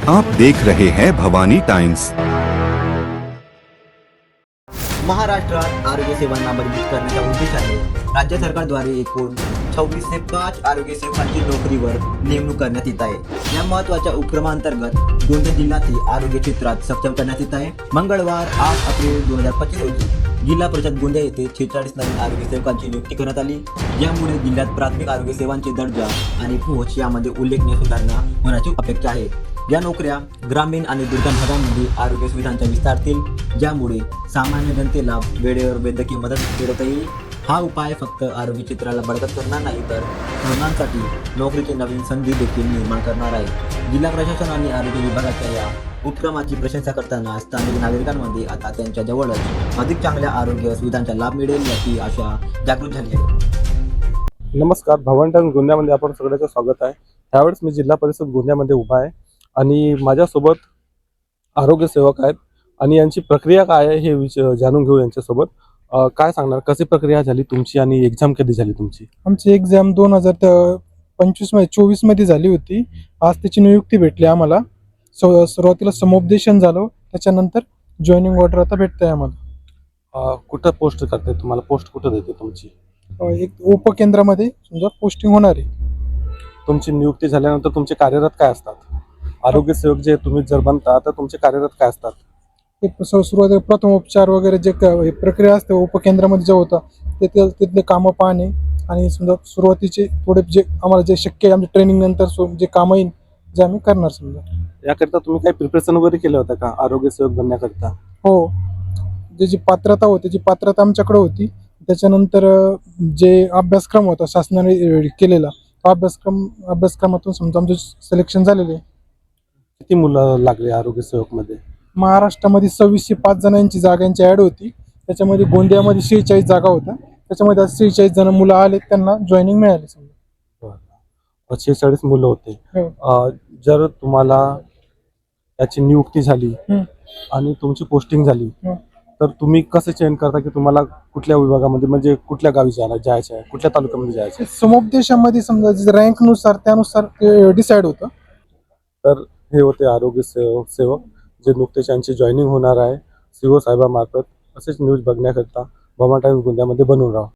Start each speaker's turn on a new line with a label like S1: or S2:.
S1: आप देख रहे हैं भवानी टाइम्स।
S2: महाराष्ट्रात आरोग्य सेवांना मजबूत करण्याच्या उद्देशाने राज्य सरकारद्वारे एकूण 26 ते 5 आरोग्य सेवकांची नोकरीवर नेमणूक करण्यात येत आहे। या महत्त्वाच्या उपक्रमांतर्गत गोंदिया जिल्ह्यातील आरोग्य क्षेत्रात सक्षम करण्यात येत आहे। मंगळवार 8 एप्रिल 2025 रोजी जिल्हा परिषद गोंदिया येथे 46 नवीन आरोग्य सेवकांची नियुक्ती करण्यात आली। यामुळे जिल्ह्यात प्राथमिक आरोग्य सेवांचे दर्जा आणि पोहोच यामध्ये उल्लेखनीय सुधारणा होण्याची अपेक्षा आहे। या नोकऱ्या ग्रामीण आणि दुर्गम भागांमध्ये आरोग्य सुविधांच्या विस्तारतील, ज्यामुळे सामान्य जनतेला वेळेवर वैद्यकीय मदत मिळवता येईल। हा उपाय फक्त आरोग्य क्षेत्राला बळकट करणार नाही, तर तरुणांसाठी नोकरीची नवीन संधी देखील निर्माण करणार आहे। जिल्हा प्रशासन आणि आरोग्य विभागाच्या या उपक्रमाची प्रशंसा करताना स्थानिक नागरिकांमध्ये आता त्यांच्या जवळच अधिक चांगल्या आरोग्य सुविधांचा लाभ मिळेल याची आशा जागृत झाली आहे।
S3: नमस्कार, भवानी टाइम्स गोंदियामध्ये आपण सगळ्यांचं स्वागत आहे। त्यावेळेस मी जिल्हा परिषद गोंदियामध्ये उभा आहे आणि माझ्यासोबत आरोग्य सेवक आहेत आणि यांची प्रक्रिया काय आहे हे जाणून घेऊ यांच्यासोबत। काय सांगणार, कशी प्रक्रिया झाली तुमची आणि एक्झाम कधी झाली तुमची?
S4: आमची एक्झाम 2025 मध्ये 24 मध्ये झाली होती। आज त्याची नियुक्ती भेटली आम्हाला। सुरुवातीला समुपदेशन झालं, त्याच्यानंतर जॉईनिंग ऑर्डर आता भेटते आम्हाला।
S3: कुठं पोस्ट करते तुम्हाला? पोस्ट कुठं देते तुमची?
S4: एक उपकेंद्रामध्ये समजा पोस्टिंग होणार आहे।
S3: तुमची नियुक्ती झाल्यानंतर तुमचे कार्यरत काय असतात? आरोग्य सेवक जे तुम्ही जर बनता तर तुमचे कार्यरत काय असतात?
S4: सुरुवातीला प्रथमोपचार वगैरे जे प्रक्रिया असते उपकेंद्रामध्ये जे होतं तिथले कामं पाहणे आणि समजा सुरुवातीचे थोडे जे आम्हाला जे शक्य आहे आमच्या ट्रेनिंग नंतर जे कामं येईल जे आम्ही करणार। समजा
S3: याकरिता तुम्ही काही प्रिपरेशन वगैरे केलं होतं का आरोग्य सेवक बनण्याकरिता?
S4: हो, जी पात्रता होती जी पात्रता आमच्याकडे होती। त्याच्यानंतर जे अभ्यासक्रम होता शासनाने केलेला, तो अभ्यासक्रमातून समजा आमचं सिलेक्शन झालेले।
S3: किती मुलं लागले आरोग्य सेवक मध्ये?
S4: महाराष्ट्रामध्ये 2605 जणांची जागांची ऍड होती। त्याच्यामध्ये गोंदियामध्ये 46 जागा होत्या। त्याच्यामध्ये 46 जण मुलं आले, त्यांना जॉईनिंग मिळाली। समजा
S3: 46 मुलं होते। जर तुम्हाला याची नियुक्ती झाली आणि तुमची पोस्टिंग झाली तर तुम्ही कसं चयन करता की तुम्हाला कुठल्या विभागामध्ये, म्हणजे कुठल्या गावी जायचं आहे, कुठल्या तालुक्यामध्ये जायचं आहे?
S4: समुपदेशामध्ये समजा रँक नुसार त्यानुसार डिसाईड होतं।
S3: तर हे होते आरोग्य सेवक जे नुकतेच यांची जॉईनिंग होणार आहे सीओ साहेबामार्फत। असेच न्यूज बघण्याकरिता भवानी टाइम्स गोंदियामध्ये बनवून राहा।